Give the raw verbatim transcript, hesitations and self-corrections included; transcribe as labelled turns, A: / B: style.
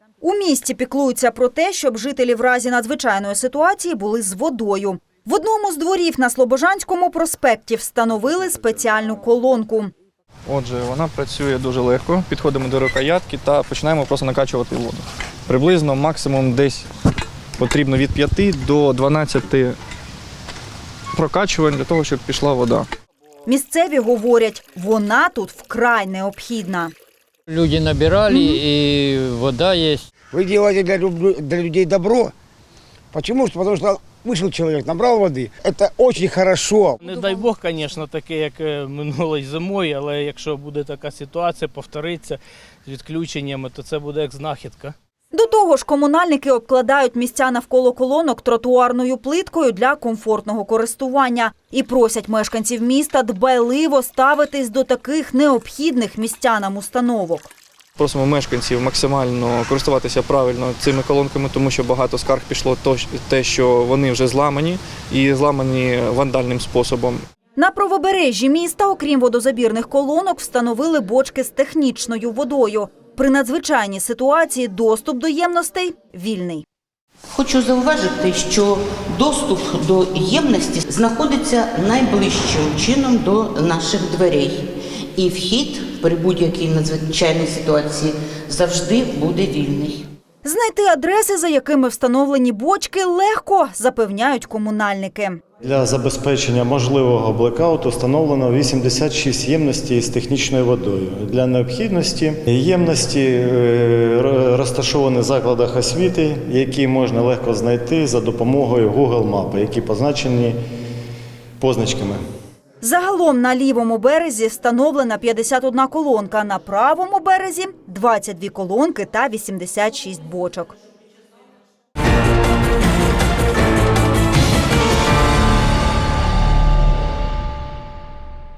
A: У місті піклуються про те, щоб жителі в разі надзвичайної ситуації були з водою. В одному з дворів на Слобожанському проспекті встановили спеціальну колонку.
B: Отже, вона працює дуже легко. Підходимо до рукоятки та починаємо просто накачувати воду. Приблизно максимум десь потрібно від п'яти до дванадцяти прокачувань для того, щоб пішла вода.
A: Місцеві говорять, вона тут вкрай необхідна.
C: Люди набирали, и вода есть.
D: Вы делаете для, для людей добро. Почему? Потому что вышел человек, набрал воды. Это очень хорошо.
E: Не дай Бог, звісно, таке, як минулої зимою, але якщо буде така ситуація, повториться з відключеннями, то це буде як знахідка.
A: До того ж, комунальники обкладають місця навколо колонок тротуарною плиткою для комфортного користування. І просять мешканців міста дбайливо ставитись до таких необхідних містянам установок.
B: Просимо мешканців максимально користуватися правильно цими колонками, тому що багато скарг пішло те, що вони вже зламані і зламані вандальним способом.
A: На правобережжі міста, окрім водозабірних колонок, встановили бочки з технічною водою. При надзвичайній ситуації доступ до ємностей вільний.
F: Хочу зауважити, що доступ до ємності знаходиться найближчим чином до наших дверей. І вхід при будь-якій надзвичайній ситуації завжди буде вільний.
A: Знайти адреси, за якими встановлені бочки, легко, запевняють комунальники.
G: Для забезпечення можливого блекауту встановлено вісімдесят шість ємностей з технічною водою. Для необхідності ємності розташовані в закладах освіти, які можна легко знайти за допомогою Google мапи, які позначені позначками.
A: Загалом на лівому березі встановлена п'ятдесят одна колонка, на правому березі – двадцять дві колонки та вісімдесят шість бочок.